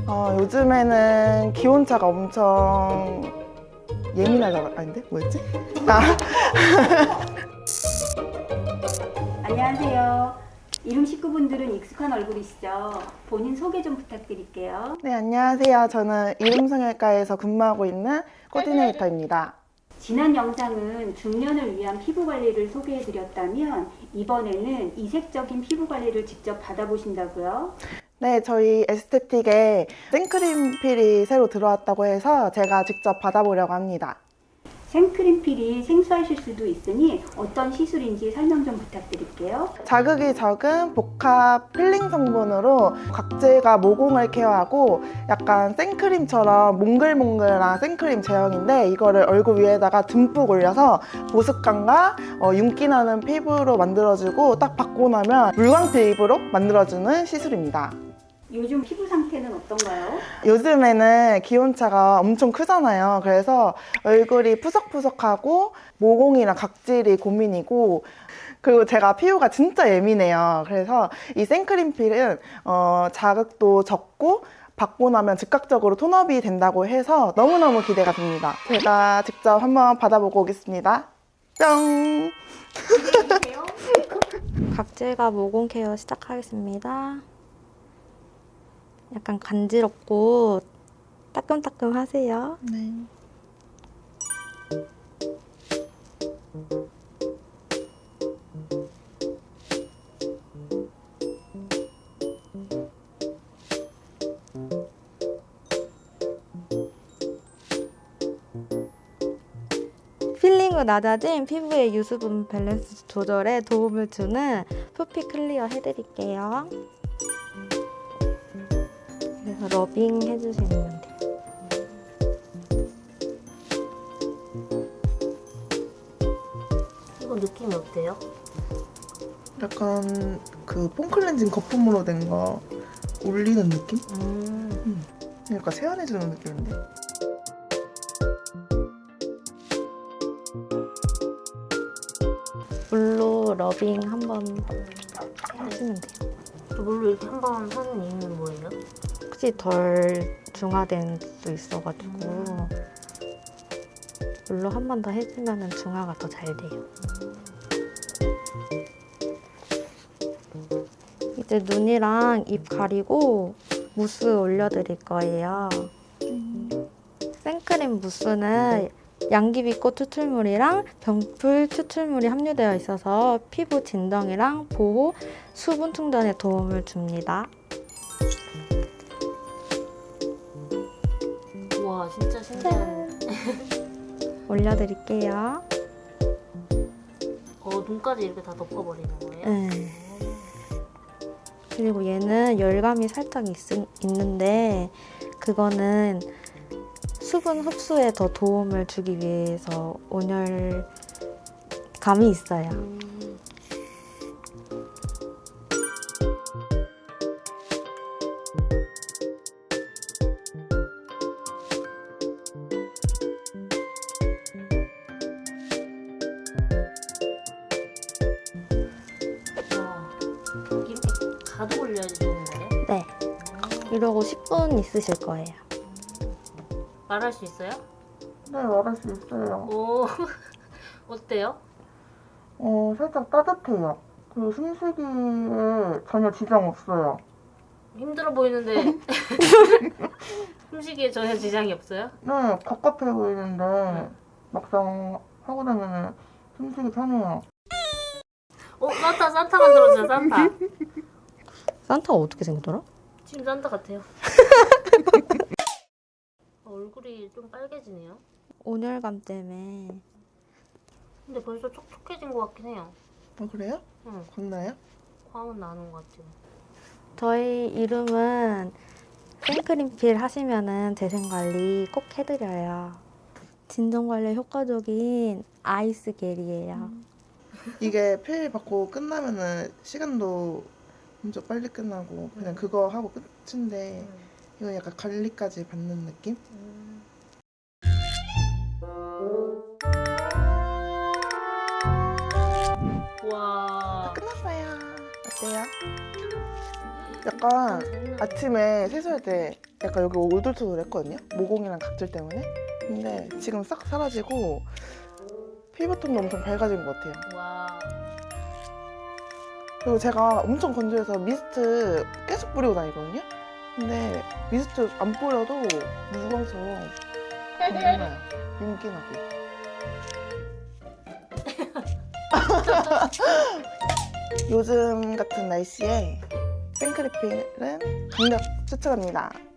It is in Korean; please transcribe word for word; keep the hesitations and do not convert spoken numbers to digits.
어, 요즘에는 기온차가 엄청 예민하다. 아닌데? 뭐였지? 아. 안녕하세요. 이룸 식구분들은 익숙한 얼굴이시죠? 본인 소개 좀 부탁드릴게요. 네, 안녕하세요. 저는 이룸성형외과에서 근무하고 있는 코디네이터입니다. 지난 영상은 중년을 위한 피부 관리를 소개해드렸다면 이번에는 이색적인 피부 관리를 직접 받아보신다고요? 네, 저희 에스테틱에 생크림 필이 새로 들어왔다고 해서 제가 직접 받아보려고 합니다. 생크림 필이 생소하실 수도 있으니 어떤 시술인지 설명 좀 부탁드릴게요. 자극이 적은 복합 필링 성분으로 각질과 모공을 케어하고 약간 생크림처럼 몽글몽글한 생크림 제형인데 이거를 얼굴 위에다가 듬뿍 올려서 보습감과 어, 윤기 나는 피부로 만들어주고 딱 받고 나면 물광 피부로 만들어주는 시술입니다. 요즘 피부 상태는 어떤가요? 요즘에는 기온차가 엄청 크잖아요. 그래서 얼굴이 푸석푸석하고 모공이랑 각질이 고민이고, 그리고 제가 피부가 진짜 예민해요. 그래서 이 생크림 필은 어, 자극도 적고 받고 나면 즉각적으로 톤업이 된다고 해서 너무너무 기대가 됩니다. 제가 직접 한번 받아보고 오겠습니다. 뿅! 각질과 모공 케어 시작하겠습니다. 약간 간지럽고 따끔따끔 하세요. 네. 필링 후 낮아진 피부의 유수분 밸런스 조절에 도움을 주는 푸피 클리어 해드릴게요. 그래서 러빙 해주시면 돼요. 이거 느낌이 어때요? 약간 그 폼클렌징 거품으로 된 거 올리는 느낌? 음. 약간 세안해주는 느낌인데? 물로 러빙 한번 하시면 돼요. 물로 이렇게 한 번 하는 이유는 뭐예요? 혹시 덜 중화된 수 있어가지고 물로 한 번 더 해주면 중화가 더 잘 돼요. 이제 눈이랑 입 가리고 무스 올려드릴 거예요. 생크림 무스는 양귀비꽃 추출물이랑 병풀 추출물이 함유되어 있어서 피부 진정이랑 보호, 수분 충전에 도움을 줍니다. 우와, 진짜 신기한. 올려드릴게요. 어, 눈까지 이렇게 다 덮어버리는 거예요? 네. 그리고 얘는 열감이 살짝 있, 있는데 그거는 수분 흡수에 더 도움을 주기 위해서 온열감이 있어요. 음. 와, 이렇게 가득 올려야지 좋은 거예요? 네. 이러고 십 분 있으실 거예요. 말할 수 있어요? 네, 말할 수 있어요. 오, 어때요? 어, 살짝 따뜻해요. 그리고 숨쉬기에 전혀 지장 없어요. 힘들어 보이는데 숨쉬기에 전혀 지장이 없어요? 네, 갑갑해 보이는데 응. 막상 하고 나면 숨쉬기 편해요. 어, 산타, 산타 만들어주세요, 산타. 산타가 어떻게 생겼더라? 지금 산타 같아요. 어, 얼굴이 좀 빨개지네요. 온열감 때문에. 근데 벌써 촉촉해진 것 같긴 해요. 어, 그래요? 응, 광나요? 광은 나는 것 같아요. 저희 이름은 생크림 필 하시면은 재생관리 꼭 해드려요. 진정관리에 효과적인 아이스 겔이에요. 이게 필 받고 끝나면은 시간도 엄청 빨리 끝나고 그냥 그거 하고 끝인데 음. 이건 약간 관리까지 받는 느낌? 음. 와. 끝났어요. 어때요? 약간 아침에 세수할 때 약간 여기 오돌토돌 했거든요. 모공이랑 각질 때문에. 근데 지금 싹 사라지고 피부톤도 엄청 밝아진 것 같아요. 와. 그리고 제가 엄청 건조해서 미스트 계속 뿌리고 다니거든요. 근데 미스트 안 뿌려도 무광처럼 정말 윤기 나고. 요즘 같은 날씨에 생크리필은 강력 추천합니다.